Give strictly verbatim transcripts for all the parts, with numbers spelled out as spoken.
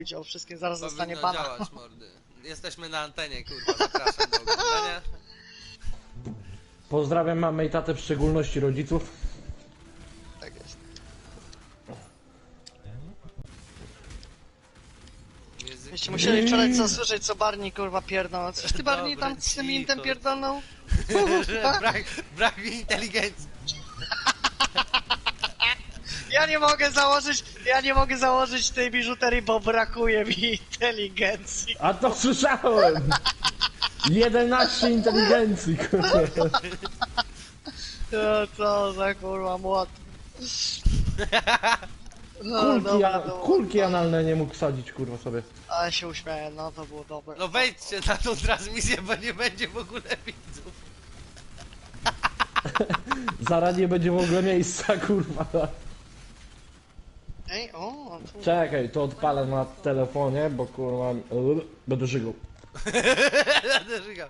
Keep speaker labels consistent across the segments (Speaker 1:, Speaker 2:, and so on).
Speaker 1: Widział wszystkim, zaraz zostanie
Speaker 2: Powinno
Speaker 1: bana.
Speaker 2: działać, mordy. Jesteśmy na antenie, kurwa, zapraszam do oglądania.
Speaker 3: Pozdrawiam mamę i tatę, w szczególności rodziców.
Speaker 1: Tak jest.
Speaker 2: Język...
Speaker 1: Byście musieli wczoraj co słyszeć, co Barney kurwa pierdolą. Coś ty Barney
Speaker 2: Dobra,
Speaker 1: tam z tym
Speaker 2: cicho.
Speaker 1: intem pierdolnął?
Speaker 2: brak, brak mi inteligencji.
Speaker 1: Ja nie mogę założyć, ja nie mogę założyć tej biżuterii, bo brakuje mi inteligencji.
Speaker 3: A to słyszałem! jedenaście inteligencji, kurwa.
Speaker 1: No co za kurwa młot. No,
Speaker 3: Kulki,
Speaker 1: dobra,
Speaker 3: a,
Speaker 1: dobra.
Speaker 3: kulki analne nie mógł sadzić, kurwa, sobie.
Speaker 1: Ale się uśmiałem, no to było dobre.
Speaker 2: No wejdźcie na tą transmisję, bo nie będzie w ogóle widzów.
Speaker 3: Zaraz nie będzie w ogóle miejsca, kurwa.
Speaker 1: Ej, o, tu.
Speaker 3: Czekaj, to odpalę na telefonie, bo kurwa... Będę żygał.
Speaker 2: Będę żygał.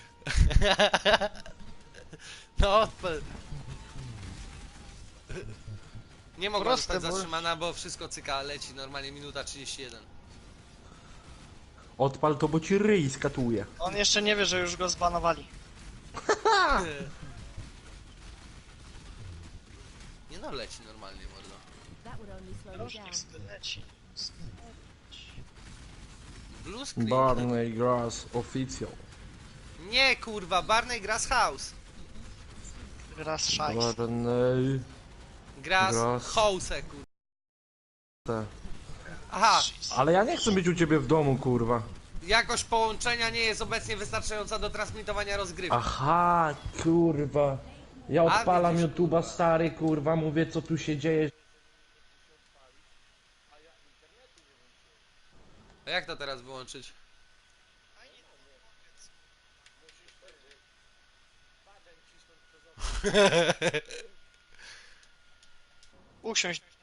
Speaker 2: No odpal. Nie mogła
Speaker 1: Proste,
Speaker 2: zostać
Speaker 1: bo-
Speaker 2: zatrzymana, bo wszystko cyka, leci normalnie minuta trzydzieści jeden.
Speaker 3: Odpal to, bo ci ryj skatuje.
Speaker 1: On jeszcze nie wie, że już go zbanowali.
Speaker 2: Nie no, leci normalnie, mordo.
Speaker 4: That would only slow you
Speaker 1: Różnik
Speaker 4: down.
Speaker 1: sobie leci.
Speaker 2: Blue screen.
Speaker 3: Barney Grass Official.
Speaker 2: Nie kurwa, Barney Grass House.
Speaker 1: Raz szajs.
Speaker 3: Barney...
Speaker 2: Grass
Speaker 3: Grass.
Speaker 2: House, kurwa.
Speaker 3: Te.
Speaker 2: Aha,
Speaker 3: Ale ja nie chcę być u ciebie w domu, kurwa.
Speaker 2: jakość połączenia nie jest obecnie wystarczająca do transmitowania rozgrywki.
Speaker 3: Aha, kurwa. Ja
Speaker 2: A,
Speaker 3: odpalam
Speaker 2: widzisz,
Speaker 3: YouTube'a, stary, kurwa, mówię, co tu się dzieje.
Speaker 2: A jak to teraz wyłączyć?
Speaker 1: Usiąść